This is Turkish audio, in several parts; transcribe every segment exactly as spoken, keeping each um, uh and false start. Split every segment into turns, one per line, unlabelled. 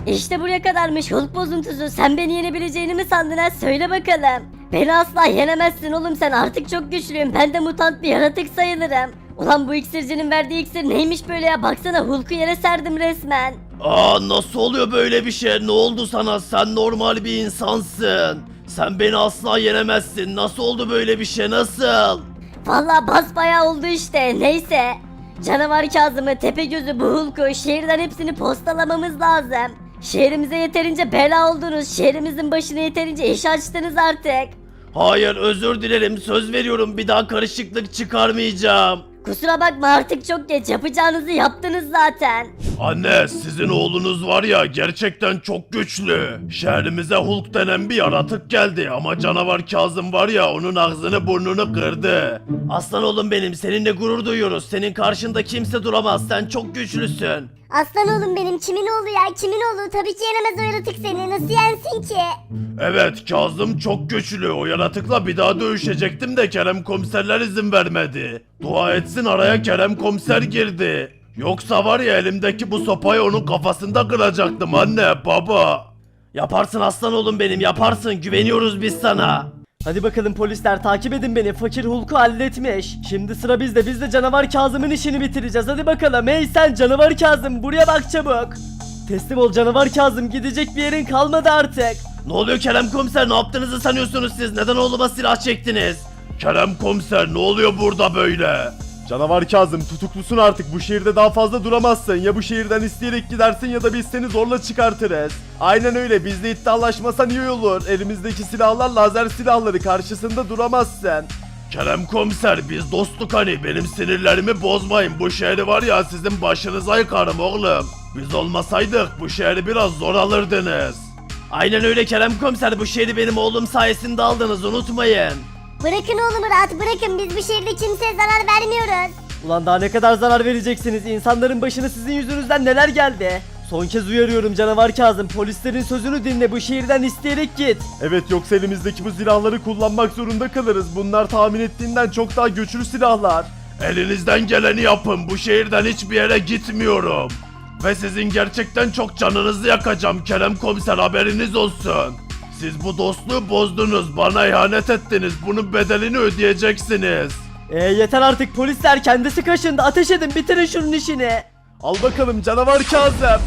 İşte buraya kadarmış Hulk bozuntusu. Sen beni yenebileceğini mi sandın ha? Söyle bakalım. Beni asla yenemezsin oğlum, sen artık çok güçlüyüm. Ben de mutant bir yaratık sayılırım. Ulan bu iksircinin verdiği iksir neymiş böyle ya? Baksana Hulk'u yere serdim resmen.
Aa, nasıl oluyor böyle bir şey? Ne oldu sana? Sen normal bir insansın. Sen beni asla yenemezsin. Nasıl oldu böyle bir şey? Nasıl?
Vallahi basbayağı oldu işte. Neyse. Canavar Kazım'ı, Tepegöz'ü, bu Hulk'u, şehirden hepsini postalamamız lazım. Şehrimize yeterince bela oldunuz. Şehrimizin başına yeterince iş açtınız artık.
Hayır, özür dilerim. Söz veriyorum, bir daha karışıklık çıkarmayacağım.
Kusura bakma, artık çok geç. Yapacağınızı yaptınız zaten.
Anne, sizin oğlunuz var ya, gerçekten çok güçlü. Şehrimize Hulk denen bir yaratık geldi ama canavar Kazım var ya, onun ağzını burnunu kırdı. Aslan oğlum benim, seninle gurur duyuyoruz. Senin karşında kimse duramaz, sen çok güçlüsün.
Aslan oğlum benim, kimin oğlu ya, kimin oğlu? Tabii ki yenemez o yaratık seni, nasıl yensin ki?
Evet, Kazım çok güçlü. O yaratıkla bir daha dövüşecektim de Kerem komiserler izin vermedi. Dua etsin araya Kerem komiser girdi. Yoksa var ya, elimdeki bu sopayı onun kafasında kıracaktım anne, baba. Yaparsın aslan oğlum benim, yaparsın, güveniyoruz biz sana.
Hadi bakalım polisler, takip edin beni. Fakir Hulk'u halletmiş. Şimdi sıra bizde. Biz de canavar Kazım'ın işini bitireceğiz. Hadi bakalım. Hey sen canavar Kazım, buraya bak çabuk. Teslim ol canavar Kazım. Gidecek bir yerin kalmadı artık.
Ne oluyor Kerem komiser, ne yaptığınızı sanıyorsunuz siz? Neden oğluma silah çektiniz? Kerem komiser, ne oluyor burada böyle?
Canavar Kazım, tutuklusun artık. Bu şehirde daha fazla duramazsın. Ya bu şehirden isteyerek gidersin ya da biz seni zorla çıkartırız. Aynen öyle, bizle iddialaşmasan iyi olur. Elimizdeki silahlar lazer silahları, karşısında duramazsın.
Kerem komiser, biz dostluk hani, benim sinirlerimi bozmayın. Bu şehri var ya, sizin başınıza yıkarım oğlum. Biz olmasaydık bu şehri biraz zor alırdınız. Aynen öyle Kerem komiser, bu şehri benim oğlum sayesinde aldınız, unutmayın.
Bırakın oğlumu rahat bırakın, biz bu şehirde kimseye zarar vermiyoruz.
Ulan daha ne kadar zarar vereceksiniz? İnsanların başına sizin yüzünüzden neler geldi? Son kez uyarıyorum canavar Kazım. Polislerin sözünü dinle, bu şehirden isteyerek git.
Evet, yoksa elimizdeki bu silahları kullanmak zorunda kalırız. Bunlar tahmin ettiğinden çok daha güçlü silahlar.
Elinizden geleni yapın, bu şehirden hiçbir yere gitmiyorum. Ve sizin gerçekten çok canınızı yakacağım Kerem komiser, haberiniz olsun. Siz bu dostluğu bozdunuz, bana ihanet ettiniz, bunun bedelini ödeyeceksiniz.
Eee yeter artık polisler, kendisi kaşındı. Ateş edin, bitirin şunun işini.
Al bakalım canavar Kazım.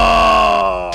Aa,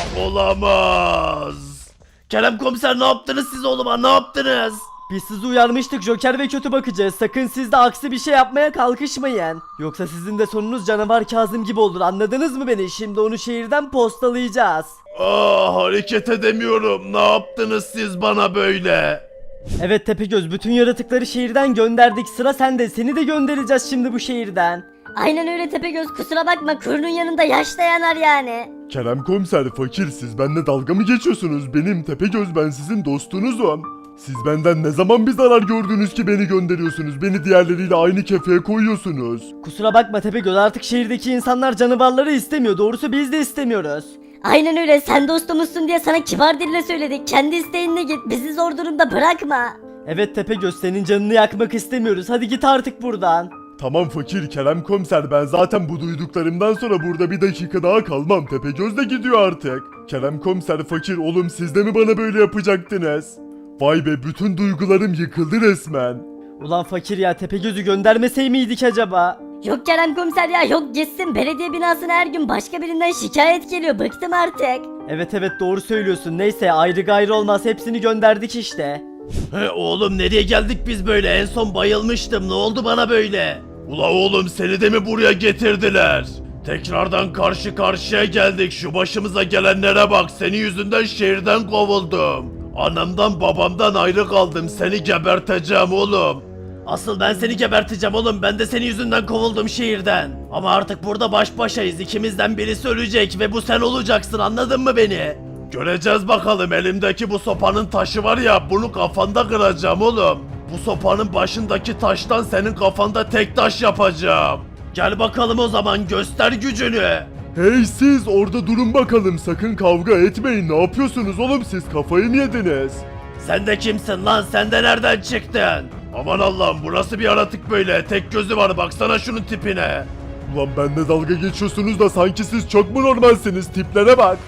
olamaz. Kerem komiser, ne yaptınız siz oğluma, ne yaptınız?
Biz sizi uyarmıştık, Joker ve kötü bakacağız. Sakın siz de aksi bir şey yapmaya kalkışmayın. Yoksa sizin de sonunuz canavar Kazım gibi olur, anladınız mı beni? Şimdi onu şehirden postalayacağız.
Aa, hareket edemiyorum, ne yaptınız siz bana böyle?
Evet Tepegöz, bütün yaratıkları şehirden gönderdik. Sıra sende, seni de göndereceğiz şimdi bu şehirden.
Aynen öyle Tepegöz, kusura bakma, kurunun yanında yaş da yanar yani.
Kerem komiser, fakir, siz benimle dalga mı geçiyorsunuz? Benim Tepegöz, ben sizin dostunuzum. Siz benden ne zaman bir zarar gördünüz ki beni gönderiyorsunuz? Beni diğerleriyle aynı kefeye koyuyorsunuz.
Kusura bakma Tepegöz, artık şehirdeki insanlar canavarları istemiyor. Doğrusu biz de istemiyoruz.
Aynen öyle, sen dostumuzsun diye sana kibar dille söyledik. Kendi isteğinle git, bizi zor durumda bırakma.
Evet Tepegöz, senin canını yakmak istemiyoruz. Hadi git artık buradan.
Tamam fakir, Kerem komiser, ben zaten bu duyduklarımdan sonra burada bir dakika daha kalmam. Tepegöz de gidiyor artık. Kerem komiser, fakir, oğlum siz de mi bana böyle yapacaktınız? Vay be, bütün duygularım yıkıldı resmen.
Ulan fakir ya, Tepegöz'ü göndermesey miydik acaba?
Yok Kerem komiser ya, yok gitsin. Belediye binasına her gün başka birinden şikayet geliyor, bıktım artık.
Evet evet, doğru söylüyorsun. Neyse, ayrı gayrı olmaz, hepsini gönderdik işte.
He oğlum, nereye geldik biz böyle? En son bayılmıştım, ne oldu bana böyle? Ula oğlum, seni de mi buraya getirdiler? Tekrardan karşı karşıya geldik, şu başımıza gelenlere bak, senin yüzünden şehirden kovuldum. Anamdan babamdan ayrı kaldım, seni geberteceğim oğlum. Asıl ben seni geberteceğim oğlum, ben de senin yüzünden kovuldum şehirden. Ama artık burada baş başayız, ikimizden birisi ölecek ve bu sen olacaksın, anladın mı beni? Göreceğiz bakalım, elimdeki bu sopanın taşı var ya, bunu kafanda kıracağım oğlum. Bu sopanın başındaki taştan senin kafanda tek taş yapacağım. Gel bakalım o zaman, göster gücünü.
Hey siz orada durun bakalım, sakın kavga etmeyin. Ne yapıyorsunuz oğlum, siz kafayı mı yediniz?
Sen de kimsin lan, sen de nereden çıktın? Aman Allah'ım, bu nasıl bir yaratık böyle, tek gözü var, baksana şunun tipine.
Ulan benimle dalga geçiyorsunuz da sanki siz çok mu normalsiniz, tiplere bak.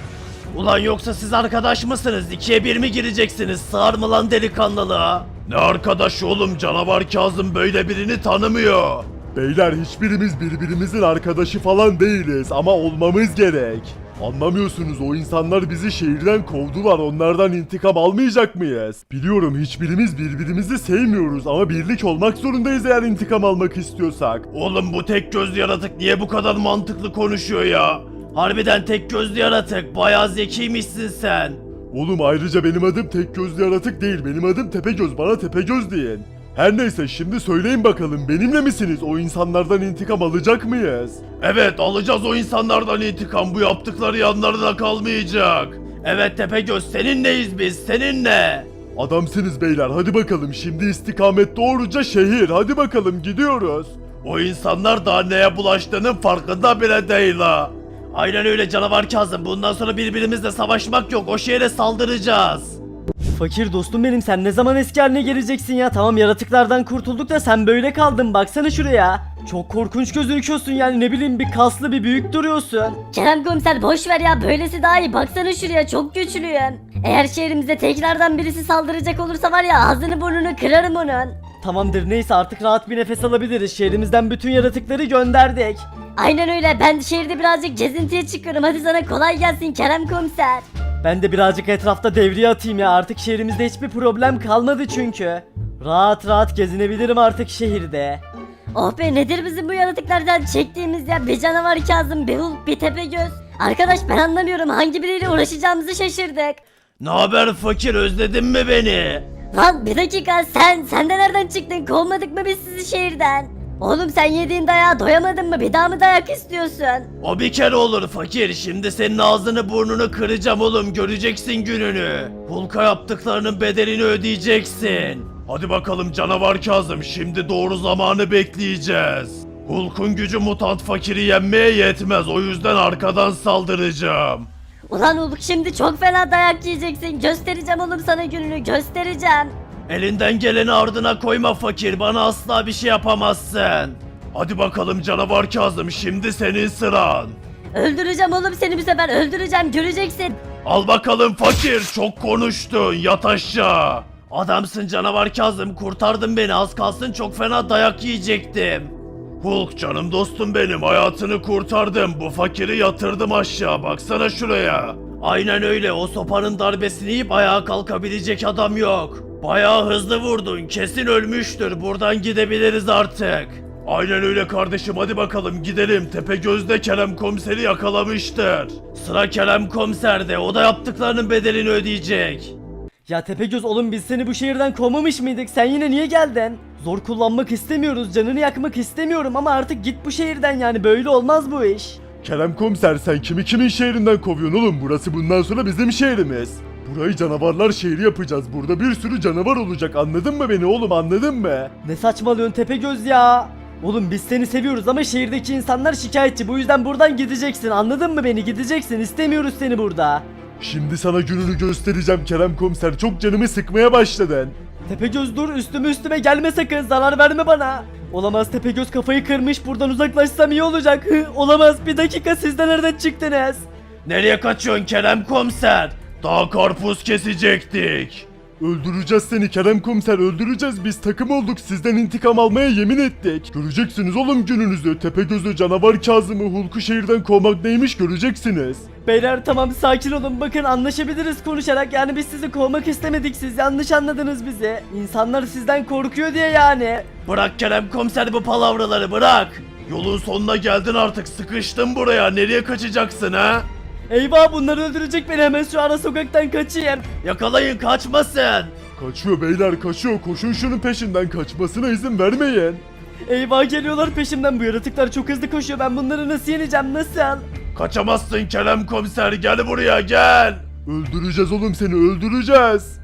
Ulan yoksa siz arkadaş mısınız? İkiye bir mi gireceksiniz? Sığar mı lan delikanlılığa? Ne arkadaş oğlum, canavar Kazım böyle birini tanımıyor.
Beyler hiçbirimiz birbirimizin arkadaşı falan değiliz ama olmamız gerek. Anlamıyorsunuz, o insanlar bizi şehirden kovdular, onlardan intikam almayacak mıyız? Biliyorum hiçbirimiz birbirimizi sevmiyoruz ama birlik olmak zorundayız eğer intikam almak istiyorsak.
Oğlum bu tek gözlü yaratık niye bu kadar mantıklı konuşuyor ya? Harbiden tek gözlü yaratık, bayağı zekiymişsin sen.
Oğlum ayrıca benim adım tek gözlü yaratık değil, benim adım Tepegöz, bana Tepegöz deyin. Her neyse şimdi söyleyin bakalım, benimle misiniz? O insanlardan intikam alacak mıyız?
Evet, alacağız o insanlardan intikam, bu yaptıkları yanlarına kalmayacak. Evet Tepegöz, seninleyiz biz, seninle.
Adamsınız beyler, hadi bakalım şimdi istikamet doğruca şehir, hadi bakalım gidiyoruz.
O insanlar daha neye bulaştığının farkında bile değil ha. Aynen öyle canavar Kazım, bundan sonra birbirimizle savaşmak yok, o şehre saldıracağız.
Fakir dostum benim, sen ne zaman eski haline geleceksin ya? Tamam yaratıklardan kurtulduk da sen böyle kaldın, baksana şuraya. Çok korkunç gözüküyorsun yani, ne bileyim bir kaslı bir büyük duruyorsun.
Kerem komiser boş ver ya, böylesi daha iyi, baksana şuraya, çok güçlüyüm. Eğer şehrimize tekrardan birisi saldıracak olursa var ya, ağzını burnunu kırarım onun.
Tamamdır, neyse artık rahat bir nefes alabiliriz, şehrimizden bütün yaratıkları gönderdik.
Aynen öyle, ben şehirde birazcık gezintiye çıkıyorum, hadi sana kolay gelsin Kerem komiser.
Ben de birazcık etrafta devriye atayım ya, artık şehrimizde hiçbir problem kalmadı çünkü. Rahat rahat gezinebilirim artık şehirde.
Oh be, nedir bizim bu yaratıklardan çektiğimiz ya, bir canavar Kazım, bir Hulk, bir Tepegöz. Arkadaş ben anlamıyorum, hangi biriyle uğraşacağımızı şaşırdık.
Ne haber fakir, özledin mi beni?
Lan bir dakika, sen, sen de nereden çıktın, kovmadık mı biz sizi şehirden? Oğlum sen yediğin dayağa doyamadın mı, bir daha mı dayak istiyorsun?
O bir kere olur fakir, şimdi senin ağzını burnunu kıracağım oğlum, göreceksin gününü. Hulk'a yaptıklarının bedelini ödeyeceksin. Hadi bakalım canavar Kazım, şimdi doğru zamanı bekleyeceğiz. Hulk'un gücü mutant fakiri yenmeye yetmez, o yüzden arkadan saldıracağım.
Ulan Hulk, şimdi çok fena dayak yiyeceksin, göstereceğim oğlum sana gününü, göstereceğim.
Elinden geleni ardına koyma fakir, bana asla bir şey yapamazsın. Hadi bakalım canavar Kazım, şimdi senin sıran.
Öldüreceğim oğlum seni, bu sefer öldüreceğim, göreceksin.
Al bakalım fakir, çok konuştun, yat aşağı. Adamsın canavar Kazım, kurtardın beni, az kalsın çok fena dayak yiyecektim. Hulk canım dostum benim, hayatını kurtardım, bu fakiri yatırdım aşağı, baksana şuraya. Aynen öyle, o sopanın darbesini yiyip ayağa kalkabilecek adam yok. Bayağı hızlı vurdun, kesin ölmüştür, buradan gidebiliriz artık. Aynen öyle kardeşim, hadi bakalım gidelim, Tepegöz'de Kerem komiseri yakalamıştır. Sıra Kerem komiserde, o da yaptıklarının bedelini ödeyecek.
Ya Tepegöz oğlum, biz seni bu şehirden kovmamış mıydık? Sen yine niye geldin? Zor kullanmak istemiyoruz, canını yakmak istemiyorum ama artık git bu şehirden, yani böyle olmaz bu iş.
Kerem komiser, sen kimi kimin şehrinden kovuyorsun oğlum? Burası bundan sonra bizim şehrimiz. Burayı canavarlar şehri yapacağız. Burada bir sürü canavar olacak, anladın mı beni oğlum, anladın mı?
Ne saçmalıyorsun Tepegöz ya? Oğlum biz seni seviyoruz ama şehirdeki insanlar şikayetçi, bu yüzden buradan gideceksin, anladın mı beni? Gideceksin, istemiyoruz seni burada.
Şimdi sana gününü göstereceğim Kerem komiser, çok canımı sıkmaya başladın.
Tepegöz dur, üstüme üstüme gelme sakın, zarar verme bana. Olamaz, Tepegöz kafayı kırmış, buradan uzaklaşsam iyi olacak. Hı, olamaz, bir dakika, siz de nereden çıktınız?
Nereye kaçıyorsun Kerem komiser? Daha karpuz kesecektik.
Öldüreceğiz seni Kerem komiser, öldüreceğiz, biz takım olduk, sizden intikam almaya yemin ettik. Göreceksiniz oğlum gününüzü, Tepegöz'ü, canavar Kazım'ı, Hulk'u şehirden kovmak neymiş göreceksiniz.
Beyler tamam, sakin olun, bakın anlaşabiliriz konuşarak, yani biz sizi kovmak istemedik, siz yanlış anladınız bizi. İnsanlar sizden korkuyor diye yani.
Bırak Kerem komiser bu palavraları, bırak. Yolun sonuna geldin artık, sıkıştın buraya, nereye kaçacaksın ha?
Eyvah, bunlar öldürecek beni, hemen şu ara sokaktan kaçayım.
Yakalayın, kaçmasın.
Kaçıyor beyler, kaçıyor, koşun şunun peşinden, kaçmasına izin vermeyin.
Eyvah, geliyorlar peşimden, bu yaratıklar çok hızlı koşuyor, ben bunları nasıl yeneceğim, nasıl?
Kaçamazsın Kerem komiser, gel buraya gel.
Öldüreceğiz oğlum seni, öldüreceğiz.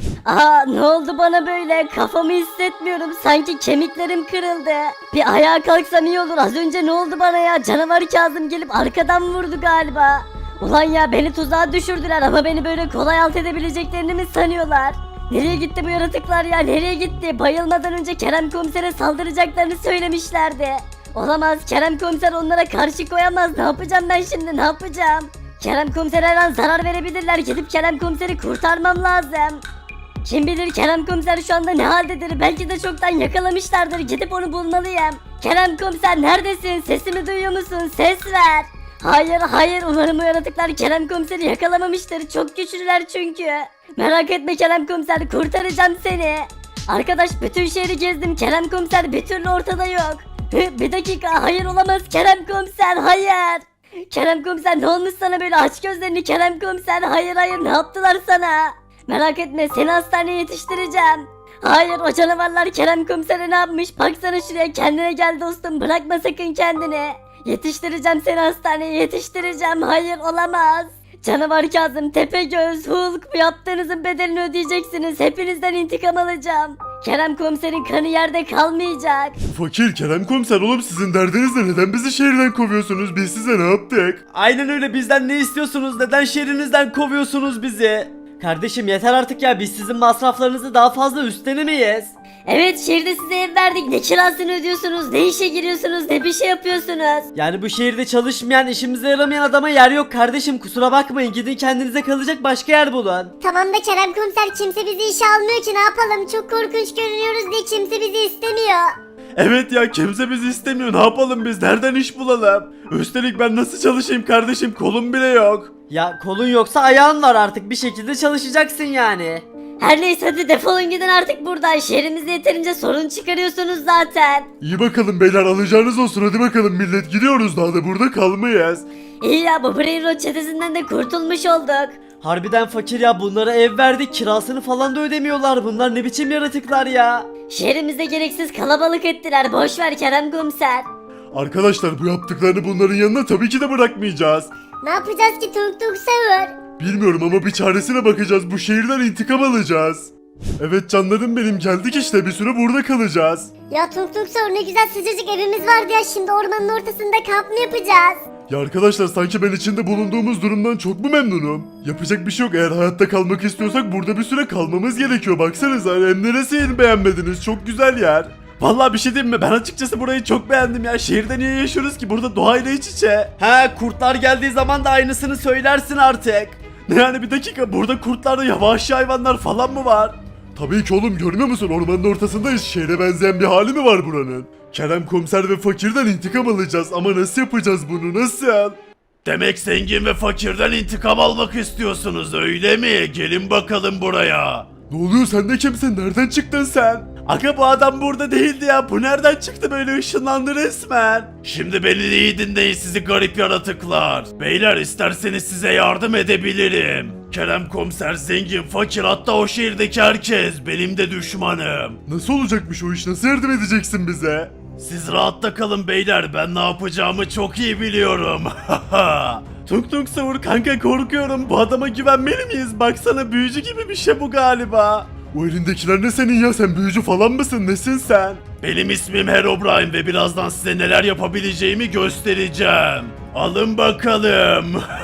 Aa, ne oldu bana böyle, kafamı hissetmiyorum, sanki kemiklerim kırıldı. Bir ayağa kalksam iyi olur, az önce ne oldu bana ya, canavar Kazım gelip arkadan vurdu galiba. Ulan ya, beni tuzağa düşürdüler ama beni böyle kolay alt edebileceklerini mi sanıyorlar? Nereye gitti bu yaratıklar ya, nereye gitti? Bayılmadan önce Kerem komisere saldıracaklarını söylemişlerdi. Olamaz, Kerem komiser onlara karşı koyamaz, ne yapacağım ben şimdi, ne yapacağım? Kerem komisere her an zarar verebilirler. Gidip Kerem komiseri kurtarmam lazım. Kim bilir Kerem komiser şu anda ne haldedir? Belki de çoktan yakalamışlardır. Gidip onu bulmalıyım. Kerem komiser neredesin? Sesimi duyuyor musun? Ses ver. Hayır hayır umarım bu yaratıklar Kerem komiseri yakalamamıştır. Çok güçlüler çünkü. Merak etme Kerem komiser, kurtaracağım seni. Arkadaş bütün şehri gezdim. Kerem komiser bir türlü ortada yok. Hı, bir dakika, hayır olamaz Kerem komiser, hayır. Kerem komiser ne olmuş sana böyle, aç gözlerini Kerem komiser, hayır hayır ne yaptılar sana? Merak etme seni hastaneye yetiştireceğim. Hayır o canavarlar Kerem komisere ne yapmış, baksana şuraya, kendine gel dostum, bırakma sakın kendini. Yetiştireceğim seni hastaneye, yetiştireceğim, hayır olamaz. Canavar Kazım, Tepegöz, Hulk, bu yaptığınızın bedelini ödeyeceksiniz, hepinizden intikam alacağım. Kerem komiserin kanı yerde kalmayacak.
Fakir, Kerem komiser, oğlum sizin derdiniz ne? Neden bizi şehirden kovuyorsunuz? Biz size ne yaptık?
Aynen öyle, bizden ne istiyorsunuz? Neden şehrinizden kovuyorsunuz bizi? Kardeşim yeter artık ya, biz sizin masraflarınızı daha fazla üstlenemeyiz.
Evet şehirde size ev verdik, ne kirasını ödüyorsunuz, ne işe giriyorsunuz, ne bir şey yapıyorsunuz.
Yani bu şehirde çalışmayan, işimize yaramayan adama yer yok kardeşim, kusura bakmayın, gidin kendinize kalacak başka yer bulun.
Tamam da Kerem komiser, kimse bizi işe almıyor ki, ne yapalım? Çok korkunç görünüyoruz diye kimse bizi istemiyor.
Evet ya, kimse bizi istemiyor. Ne yapalım biz? Nereden iş bulalım? Üstelik ben nasıl çalışayım kardeşim? Kolum bile yok.
Ya kolun yoksa ayağın var, artık bir şekilde çalışacaksın yani.
Her neyse hadi defolun gidin artık buradan, şehrimizde yeterince sorun çıkarıyorsunuz zaten.
İyi bakalım beyler, alacağınız olsun. Hadi bakalım millet, gidiyoruz, daha da burada kalmayız.
İyi ya, bu Brain Rot çetesinden de kurtulmuş olduk.
Harbiden fakir ya, bunlara ev verdik, kirasını falan da ödemiyorlar, bunlar ne biçim yaratıklar ya.
Şehrimizde gereksiz kalabalık ettiler, boş ver Kerem komiser.
Arkadaşlar bu yaptıklarını bunların yanına tabii ki de bırakmayacağız.
Ne yapacağız ki Tung Tung Sahur?
Bilmiyorum ama bir çaresine bakacağız. Bu şehirden intikam alacağız. Evet canlarım benim, geldik işte, bir süre burada kalacağız.
Ya Tung Tung Sahur, ne güzel sıcacık evimiz vardı ya, şimdi ormanın ortasında kamp mı yapacağız?
Ya arkadaşlar, sanki ben içinde bulunduğumuz durumdan çok mu memnunum? Yapacak bir şey yok, eğer hayatta kalmak istiyorsak burada bir süre kalmamız gerekiyor. Baksanıza, hem neresini beğenmediniz, çok güzel yer. Vallahi bir şey diyeyim mi, ben açıkçası burayı çok beğendim ya. Şehirde niye yaşıyoruz ki, burada doğayla iç içe.
He, kurtlar geldiği zaman da aynısını söylersin artık.
Ne yani, bir dakika, burada kurtlar da vahşi hayvanlar falan mı var? Tabii ki oğlum, görmüyor musun, ormanın ortasındayız, şehre benzeyen bir hali mi var buranın? Kerem komiser ve fakirden intikam alacağız ama nasıl yapacağız bunu, nasıl?
Demek zengin ve fakirden intikam almak istiyorsunuz öyle mi? Gelin bakalım buraya.
Ne oluyor, sen de kimsin, nereden çıktın sen?
Aga bu adam burada değildi ya. Bu nereden çıktı, böyle ışınlandı resmen. Şimdi beni iyi dinleyin sizi garip yaratıklar. Beyler isterseniz size yardım edebilirim. Kerem komiser, zengin, fakir, hatta o şehirdeki herkes benim de düşmanım.
Nasıl olacakmış o iş, nasıl yardım edeceksin bize?
Siz rahatta kalın beyler, ben ne yapacağımı çok iyi biliyorum.
Tung Tung Sahur kanka, korkuyorum, bu adama güvenmeli miyiz? Baksana, büyücü gibi bir şey bu galiba. O elindekiler ne senin ya, sen büyücü falan mısın, nesin sen?
Benim ismim Herobrine ve birazdan size neler yapabileceğimi göstereceğim. Alın bakalım.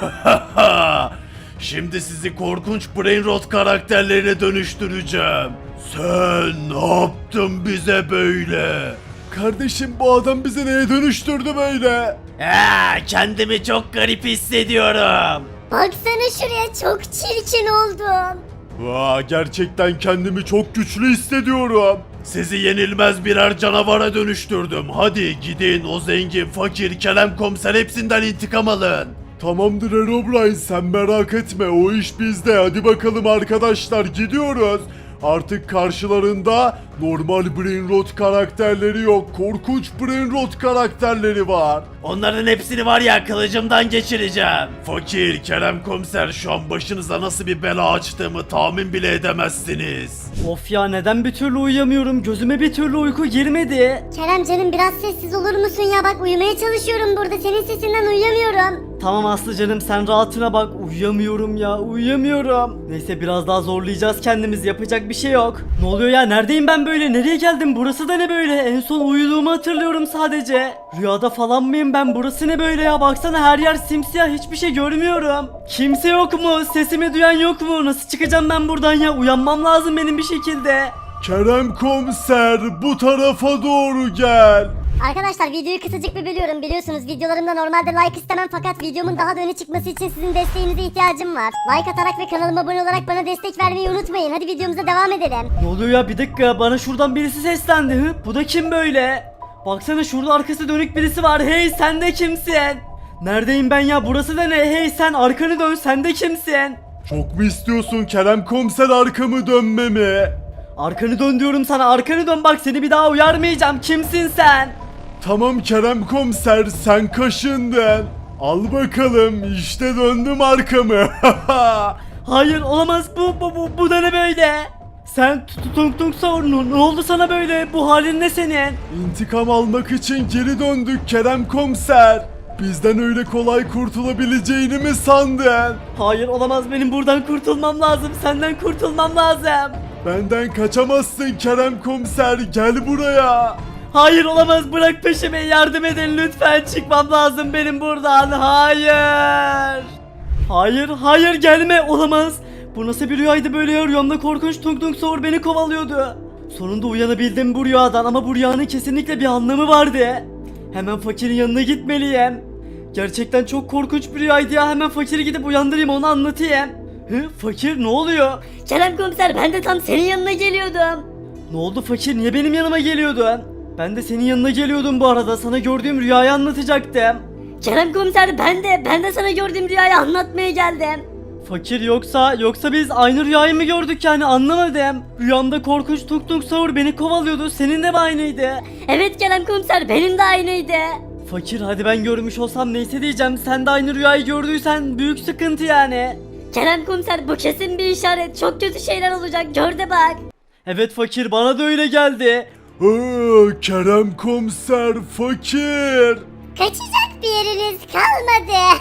Şimdi sizi korkunç Brain Rot karakterlerine dönüştüreceğim. Sen ne yaptın bize böyle?
Kardeşim bu adam bizi neye dönüştürdü böyle?
Aa, kendimi çok garip hissediyorum.
Baksana şuraya, çok çirkin oldum.
Vaa, gerçekten kendimi çok güçlü hissediyorum.
Sizi yenilmez birer canavara dönüştürdüm. Hadi gidin, o zengin, fakir, Kerem komiser hepsinden intikam alın.
Tamamdır Herobrine, sen merak etme, o iş bizde. Hadi bakalım arkadaşlar, gidiyoruz. Artık karşılarında normal Brain Rot karakterleri yok, korkunç Brain Rot karakterleri var.
Onların hepsini var ya kılıcımdan geçireceğim. Fakir, Kerem komiser, şu an başınıza nasıl bir bela açtığımı tahmin bile edemezsiniz.
Of ya, neden bir türlü uyuyamıyorum, gözüme bir türlü uyku girmedi.
Kerem canım, biraz sessiz olur musun ya, bak uyumaya çalışıyorum burada, senin sesinden uyuyamıyorum.
Tamam Aslı canım, sen rahatına bak, uyuyamıyorum ya, uyuyamıyorum. Neyse biraz daha zorlayacağız kendimizi, yapacak bir şey yok. Ne oluyor ya, neredeyim ben böyle, nereye geldim, burası da ne böyle, en son uyuduğumu hatırlıyorum sadece. Rüyada falan mıyım ben, burası ne böyle ya, baksana her yer simsiyah, hiçbir şey görmüyorum. Kimse yok mu, sesimi duyan yok mu, nasıl çıkacağım ben buradan ya, uyanmam lazım benim bir şekilde.
Kerem komiser, bu tarafa doğru gel.
Arkadaşlar videoyu kısacık bir bölüyorum. Biliyorsunuz videolarımda normalde like istemem fakat videomun daha da öne çıkması için sizin desteğinize ihtiyacım var. Like atarak ve kanalıma abone olarak bana destek vermeyi unutmayın. Hadi videomuza devam edelim.
Ne oluyor ya, bir dakika, bana şuradan birisi seslendi. Hı? Bu da kim böyle? Baksana, şurada arkası dönük birisi var. Hey, sen de kimsin? Neredeyim ben ya, burası da ne? Hey sen, arkanı dön, sen de kimsin?
Çok mu istiyorsun Kerem komiser arkamı dönmemi?
Arkanı dön diyorum sana, arkanı dön, bak seni bir daha uyarmayacağım. Kimsin sen?
Tamam Kerem komiser sen kaşındın. Al bakalım işte döndüm arkamı.
Hayır, olamaz, bu bu bu, bu da ne böyle? Sen Tung Tung Tung Saur, ne oldu sana böyle? Bu halin ne senin?
İntikam almak için geri döndük Kerem komiser. Bizden öyle kolay kurtulabileceğini mi sandın?
Hayır, olamaz, benim buradan kurtulmam lazım. Senden kurtulmam lazım.
Benden kaçamazsın Kerem komiser gel buraya.
Hayır, olamaz, bırak peşimi, yardım edin lütfen, çıkmam lazım benim buradan. Hayır. Hayır, hayır, gelme, olamaz. Bu nasıl bir rüyaydı böyle ya? Rüyamda korkunç Tung Tung Saur beni kovalıyordu. Sonunda uyanabildim bu rüyadan ama bu rüyanın kesinlikle bir anlamı vardı. Hemen fakirin yanına gitmeliyim. Gerçekten çok korkunç bir rüyaydı ya, hemen fakiri gidip uyandırayım, onu anlatayım. Hı, fakir, ne oluyor?
Kerem komiser, ben de tam senin yanına geliyordum.
Ne oldu fakir, niye benim yanıma geliyordun? Ben de senin yanına geliyordum bu arada, sana gördüğüm rüyayı anlatacaktım.
Kerem komiser, ben de ben de sana gördüğüm rüyayı anlatmaya geldim.
Fakir, yoksa yoksa biz aynı rüyayı mı gördük yani, anlamadım. Rüyamda korkunç Tung Tung Saur beni kovalıyordu, senin de mi aynıydı?
Evet Kerem komiser, benim de aynıydı.
Fakir, hadi ben görmüş olsam neyse diyeceğim, sen de aynı rüyayı gördüysen büyük sıkıntı yani.
Kerem komiser, bu kesin bir işaret. Çok kötü şeyler olacak, gör de bak.
Evet fakir, bana da öyle geldi.
Aa, Kerem komiser fakir.
Kaçacak bir yeriniz kalmadı.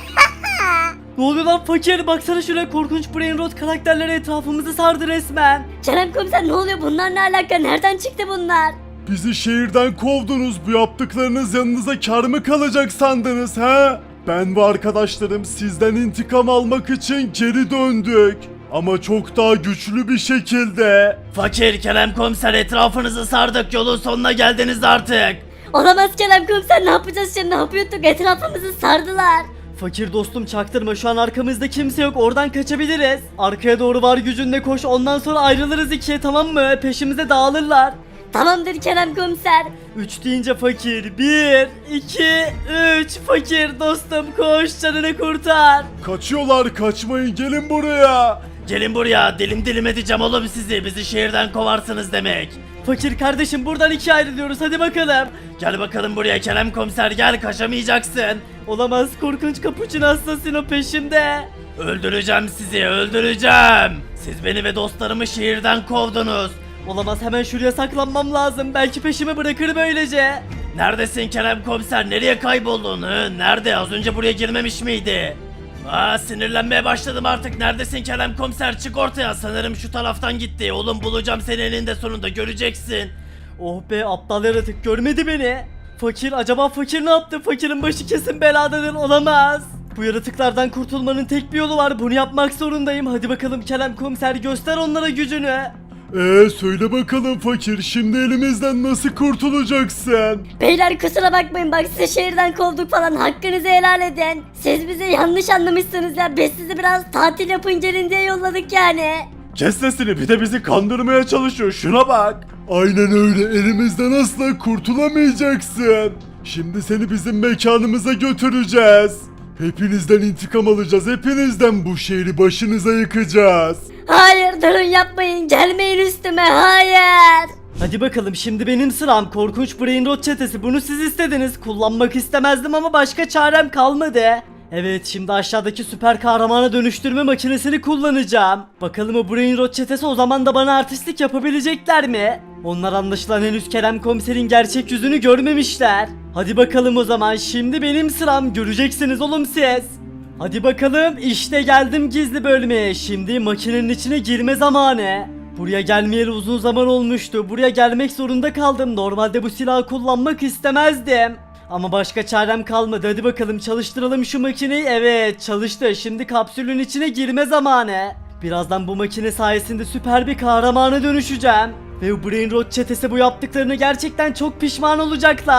Ne oluyor lan fakir, baksana şuraya, korkunç Brain Rot karakterleri etrafımızı sardı resmen.
Kerem komiser, ne oluyor, bunlar ne alaka, nereden çıktı bunlar?
Bizi şehirden kovdunuz. Bu yaptıklarınız yanınıza kar mı kalacak sandınız he? Ben ve arkadaşlarım sizden intikam almak için geri döndük. Ama çok daha güçlü bir şekilde.
Fakir Kerem komiser etrafınızı sardık, yolun sonuna geldiniz artık.
Olamaz Kerem komiser, ne yapacağız şimdi, ne yapıyorduk, etrafımızı sardılar.
Fakir dostum, çaktırma, şu an arkamızda kimse yok, oradan kaçabiliriz. Arkaya doğru var gücünle koş, ondan sonra ayrılırız ikiye, tamam mı? Peşimize dağılırlar.
Tamamdır Kerem komiser.
Üç deyince fakir, bir, iki, üç, fakir dostum koş, canını kurtar.
Kaçıyorlar, kaçmayın, gelin buraya.
Gelin buraya, dilim dilim edeceğim oğlum sizi, bizi şehirden kovarsınız demek.
Fakir kardeşim, buradan ikiye ayrılıyoruz, hadi bakalım.
Gel bakalım buraya Kerem komiser, gel, kaçamayacaksın.
Olamaz, korkunç Capuchin Assassino peşimde.
Öldüreceğim sizi, öldüreceğim. Siz beni ve dostlarımı şehirden kovdunuz.
Olamaz, hemen şuraya saklanmam lazım, belki peşimi bırakır böylece.
Neredesin Kerem komiser, nereye kayboldun? Hı? Nerede, az önce buraya girmemiş miydi? Aa, sinirlenmeye başladım artık. Neredesin Kerem komiser, çık ortaya. Sanırım şu taraftan gitti. Oğlum bulacağım seni eninde sonunda, göreceksin.
Oh be, aptal yaratık görmedi beni. Fakir, acaba fakir ne yaptı? Fakirin başı kesin beladadır, olamaz. Bu yaratıklardan kurtulmanın tek bir yolu var, bunu yapmak zorundayım. Hadi bakalım Kerem komiser, göster onlara gücünü.
Ee söyle bakalım fakir, şimdi elimizden nasıl kurtulacaksın?
Beyler kusura bakmayın, bak sizi şehirden kovduk falan, hakkınızı helal edin. Siz bizi yanlış anlamışsınız ya, biz sizi biraz tatil yapın gelin diye yolladık yani.
Kes sesini, bir de bizi kandırmaya çalışıyor, şuna bak. Aynen öyle, elimizden asla kurtulamayacaksın. Şimdi seni bizim mekanımıza götüreceğiz. Hepinizden intikam alacağız, hepinizden, bu şehri başınıza yıkacağız.
Hayır, durun, yapmayın, gelmeyin üstüme, hayır.
Hadi bakalım, şimdi benim sıram. Korkunç Brain Rot çetesi, bunu siz istediniz. Kullanmak istemezdim ama başka çarem kalmadı. Evet, şimdi aşağıdaki süper kahramana dönüştürme makinesini kullanacağım. Bakalım o Brain Rot çetesi o zaman da bana artistlik yapabilecekler mi? Onlar anlaşılan henüz Kerem komiserin gerçek yüzünü görmemişler. Hadi bakalım o zaman, şimdi benim sıram, göreceksiniz oğlum siz. Hadi bakalım, işte geldim gizli bölmeye. Şimdi makinenin içine girme zamanı. Buraya gelmeyeli uzun zaman olmuştu. Buraya gelmek zorunda kaldım. Normalde bu silahı kullanmak istemezdim. Ama başka çarem kalmadı. Hadi bakalım çalıştıralım şu makineyi. Evet, çalıştı. Şimdi kapsülün içine girme zamanı. Birazdan bu makine sayesinde süper bir kahramana dönüşeceğim. Ve bu Brain Rot çetesi bu yaptıklarını gerçekten çok pişman olacaklar.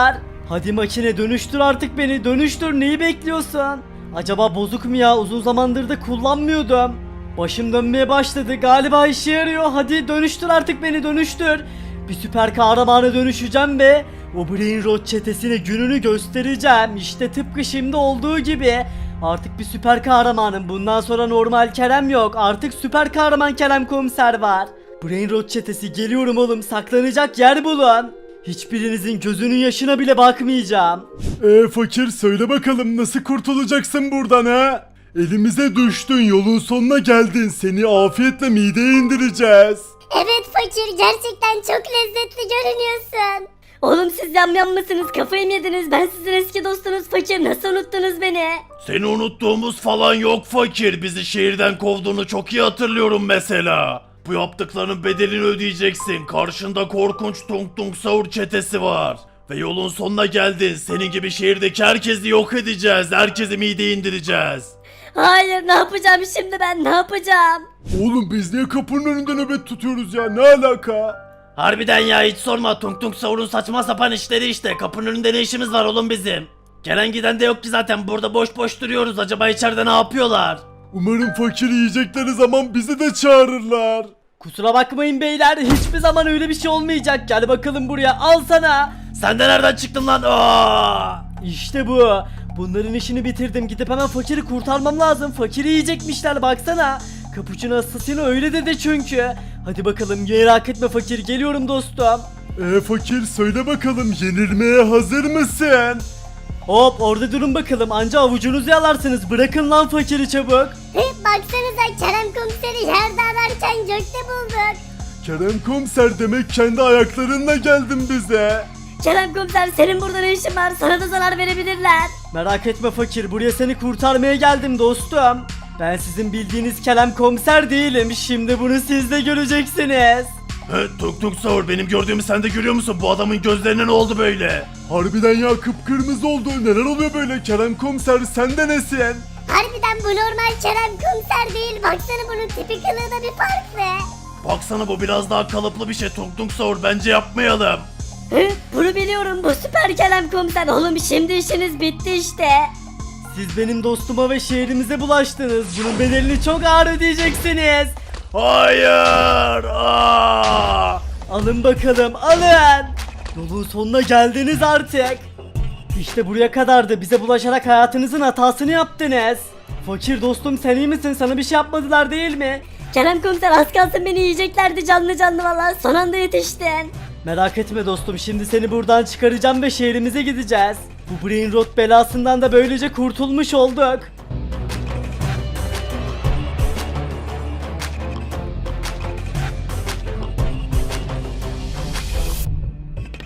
Hadi makine dönüştür artık beni, dönüştür, neyi bekliyorsun? Acaba bozuk mu ya, uzun zamandır da kullanmıyordum. Başım dönmeye başladı, galiba işe yarıyor. Hadi dönüştür artık beni, dönüştür. Bir süper kahramana dönüşeceğim ve o Brain Rot çetesine gününü göstereceğim. İşte tıpkı şimdi olduğu gibi. Artık bir süper kahramanım. Bundan sonra normal Kerem yok. Artık süper kahraman Kerem Komiser var. Brain Rot çetesi, geliyorum oğlum. Saklanacak yer bulun. Hiçbirinizin gözünün yaşına bile bakmayacağım.
Eee fakir söyle bakalım nasıl kurtulacaksın buradan ha? Elimize düştün, yolun sonuna geldin, seni afiyetle mideye indireceğiz.
Evet fakir, gerçekten çok lezzetli görünüyorsun.
Oğlum siz yamyam mısınız? Kafayı mı yediniz? Ben sizin eski dostunuz fakir. Nasıl unuttunuz beni?
Seni unuttuğumuz falan yok fakir. Bizi şehirden kovduğunu çok iyi hatırlıyorum mesela. Bu yaptıklarının bedelini ödeyeceksin. Karşında korkunç Tung Tung Sahur çetesi var. Ve yolun sonuna geldin. Senin gibi şehirdeki herkesi yok edeceğiz. Herkesi mideye indireceğiz.
Hayır, ne yapacağım şimdi ben? Ne yapacağım?
Oğlum biz niye kapının önünde nöbet tutuyoruz ya, ne alaka?
Harbiden ya, hiç sorma. Tung Tung Sahur'un saçma sapan işleri işte. Kapının önünde ne işimiz var oğlum bizim? Gelen giden de yok ki zaten. Burada boş boş duruyoruz. Acaba içeride ne yapıyorlar?
Umarım fakir yiyecekleri zaman bizi de çağırırlar.
Kusura bakmayın beyler, hiçbir zaman öyle bir şey olmayacak. Gel bakalım buraya, al sana.
Sen de nereden çıktın lan? Aa!
İşte bu. Bunların işini bitirdim. Gidip hemen fakiri kurtarmam lazım. Fakiri yiyecekmişler, baksana. Capuchino Assassino öyle dedi çünkü. Hadi bakalım, merak etme fakir, geliyorum dostum.
Eee fakir söyle bakalım, yenilmeye hazır mısın?
Hop, orada durun bakalım, anca avucunuzu yalarsınız. Bırakın lan fakiri çabuk.
Hı, baksanıza, Kerem Komiser'i yerde ararken gökte bulduk.
Kerem Komiser, demek kendi ayaklarınla geldin bize.
Kerem Komiser, senin burada ne işin var? Sana da zarar verebilirler.
Merak etme fakir, buraya seni kurtarmaya geldim dostum. Ben sizin bildiğiniz Kerem Komiser değilim. Şimdi bunu siz de göreceksiniz.
He, Tung Tung Sahur, benim gördüğümü sen de görüyor musun? Bu adamın gözlerine ne oldu böyle?
Harbiden ya, kıpkırmızı oldu, neler oluyor böyle? Kerem Komiser sen de nesin?
Harbiden bu normal Kerem Komiser değil. Baksana, bunun tipi kılığı da bir farklı.
Baksana, bu biraz daha kalıplı bir şey. Tung Tung Sahur, bence yapmayalım.
Hı, bunu biliyorum. Bu süper Kerem Komiser. Oğlum şimdi işiniz bitti işte.
Siz benim dostuma ve şehrimize bulaştınız. Bunun bedelini çok ağır ödeyeceksiniz.
Hayır! Aa!
Alın bakalım, alın. Yolun sonuna geldiniz artık. İşte buraya kadardı. Bize bulaşarak hayatınızın hatasını yaptınız. Fakir dostum, sen iyi misin? Sana bir şey yapmadılar değil mi?
Kerem Komiser, az kalsın beni yiyeceklerdi canlı canlı valla. Son anda yetiştin.
Merak etme dostum, şimdi seni buradan çıkaracağım ve şehrimize gideceğiz. Bu Brain Rot belasından da böylece kurtulmuş olduk.